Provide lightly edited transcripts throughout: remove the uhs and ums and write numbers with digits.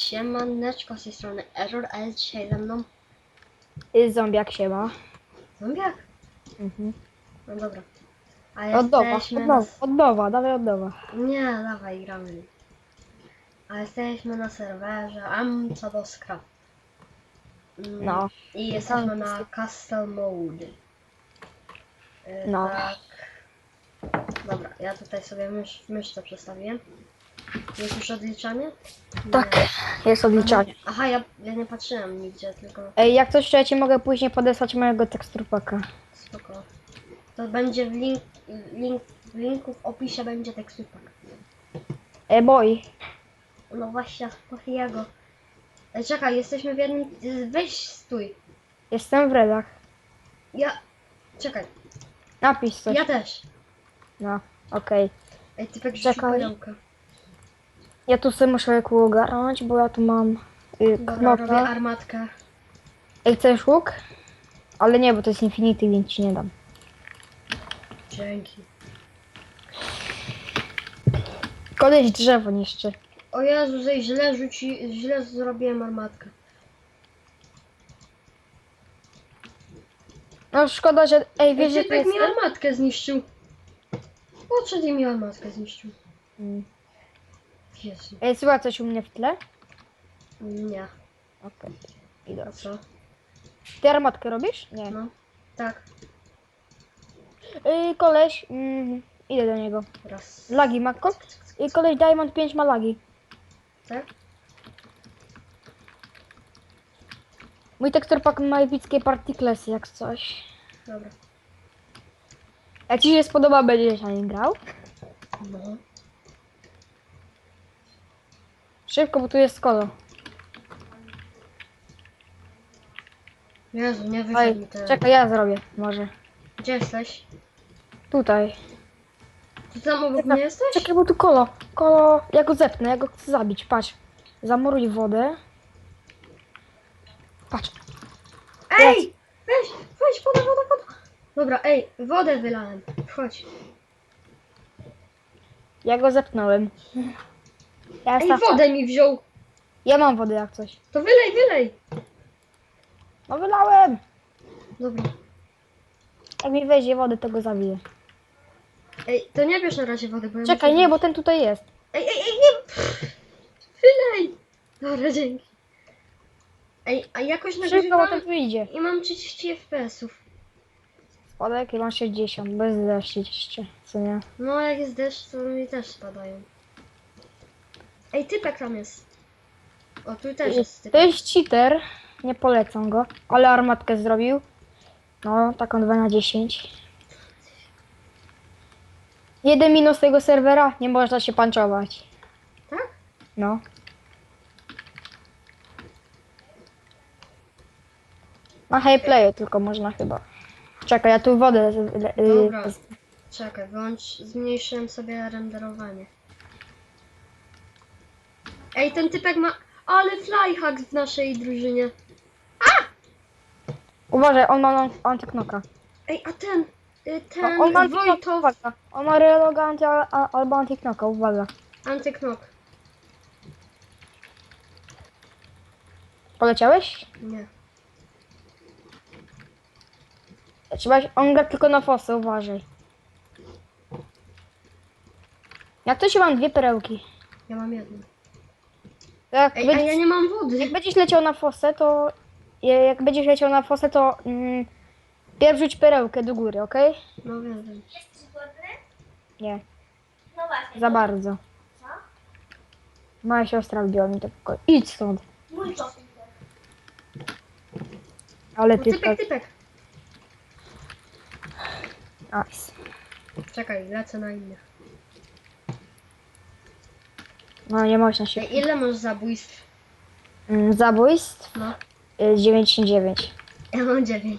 Siemaneczko, z tej strony Error, a jest dzisiaj ze mną Zombiak się ma. zombiak. No dobra. A Od nowa, jesteśmy na... od nowa, dawaj od nowa. Nie, dawaj, gramy. A jesteśmy na serwerze Amcadoskra. No. I jesteśmy na Castle Mode. No. Tak. Dobra, ja tutaj sobie myszkę przestawiłem. Jest już odliczanie? Tak, jest odliczanie. Aha, ja nie patrzyłem nigdzie, tylko Ej, jak coś, to ja ci mogę później podesłać mojego teksturpaka. spoko. To będzie w linku w opisie będzie teksturpak. Boy. No właśnie, jego. Czekaj, jesteśmy w jednym... Weź, stój. Jestem w redach. Czekaj, Napisz coś. ja też. No, okej. Ej, typek rzucił Czekaj. perełkę. Ja tu sobie muszę kół ogarnąć, bo ja tu mam Dobra, robię knopa. armatkę. Ej, chcesz łuk? Ale nie, bo to jest infinity, więc ci nie dam. Dzięki. Koleś drzewo niszczy. O Jezu, źle zrobiłem armatkę. No szkoda, że... Ej, wiesz, że to Typek jest... mi armatkę zniszczył. Podszedł i mi armatkę zniszczył. Jezu. Ej, słuchaj coś u mnie w tle? Nie. Okej. A Idę. co? Ty armatkę robisz? Nie. No. Tak. Koleś, idę do niego. Raz. Lagi ma koleś Diamond 5 ma lagi. Tak? Mój teksturpak ma epickie particlesy jak coś. Dobra. Jak ci się spodoba, będziesz na nim grał? No. Szybko, bo tu jest kolo. Jezu, nie Ej, wyszedł mi ten... czekaj, ja zrobię może. Gdzie jesteś? Tutaj. Ty tam obok Czekaj, mnie jesteś? czekaj, bo tu kolo. Kolo, ja go zepnę, ja go chcę zabić, patrz. Zamuruj wodę. Patrz. Ej! Weź, woda. Dobra, ej, wodę wylałem. Chodź. Ja go zepnąłem. Ja, Ej, wodę mi wziął. ja mam wodę jak coś. To wylej. No wylałem. Dobra. Jak mi weźmie wody, to go zabiję. Ej, to nie bierz na razie wody, bo ja Czekaj, muszę nie, bo wyjść. ten tutaj jest. Ej, nie! Wylej! Dobra, dzięki. Ej, a jakoś Szybko, bo nagrywam ten tu idzie. i mam 30 FPS-ów. Spadek i mam 60, bez deszczu jeszcze, co nie? No, jak jest deszcz, to mi też spadają. Ej, typek tam jest. O, tu też jest To typek. jest cheater, nie polecam go, ale armatkę zrobił. No, taką 2 na 10. Jeden minus tego serwera, nie można się panczować. Tak? No. Na highplayu tylko można chyba. Czekaj, ja tu wodę... Dobra. Czekaj, zmniejszyłem sobie renderowanie. Ej, ten typek ma... Ale flyhack w naszej drużynie. Uważaj, on ma antyknoka. Ej, a ten On ma antyknoka, Wojtow... uwaga. On ma reloga albo antyknoka, uwaga. Antyknok. Poleciałeś? Nie. On gra tylko na fosę, uważaj. Jak to się mam 2 perełki. Ja mam jedną. Jak, Ej, a ja nie mam wody. jak będziesz leciał na fosę, to... Jak będziesz leciał na fosę, to... Pierw rzuć perełkę do góry, okej? No wiem. Jesteś głodny? Nie, No właśnie. za bardzo. Co? Moja siostra wbiła mi to pokoju. Idź stąd. Mój kotek. Ale No, ty typek. Nice. Czekaj, lecę na innych. No nie można się... Ej, ile masz zabójstw? Zabójstw? No. 99. Ja mam 9.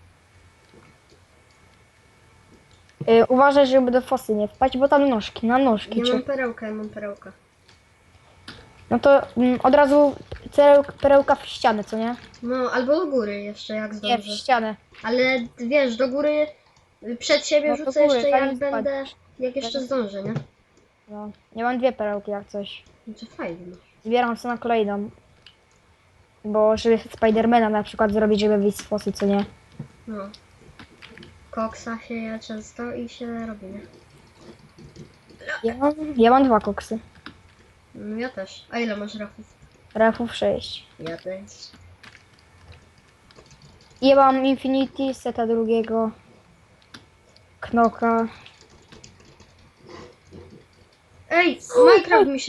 Uważaj, żeby do fosy nie wpaść, bo tam na nóżki. Ja mam perełkę. No to od razu perełka w ścianę, co nie? No, albo do góry jeszcze, jak Nie, w zdążę. ścianę. Ale wiesz, do góry przed siebie No, do rzucę góry, jeszcze zanim jak będę, spadniesz. jak jeszcze zdążę, nie? No, nie mam 2 perełki jak coś. No to fajnie masz. Zbieram sobie na kolejną. Bo żeby Spidermana na przykład zrobić, żeby wyjść z fosy, co nie? No. Koksa się je często i się robi, nie? Ja mam 2 koksy. No, ja też. A ile masz rafów? Refów 6. Ja też. I ja mam Infinity, seta drugiego. Knoka. Ej, Minecraft mi się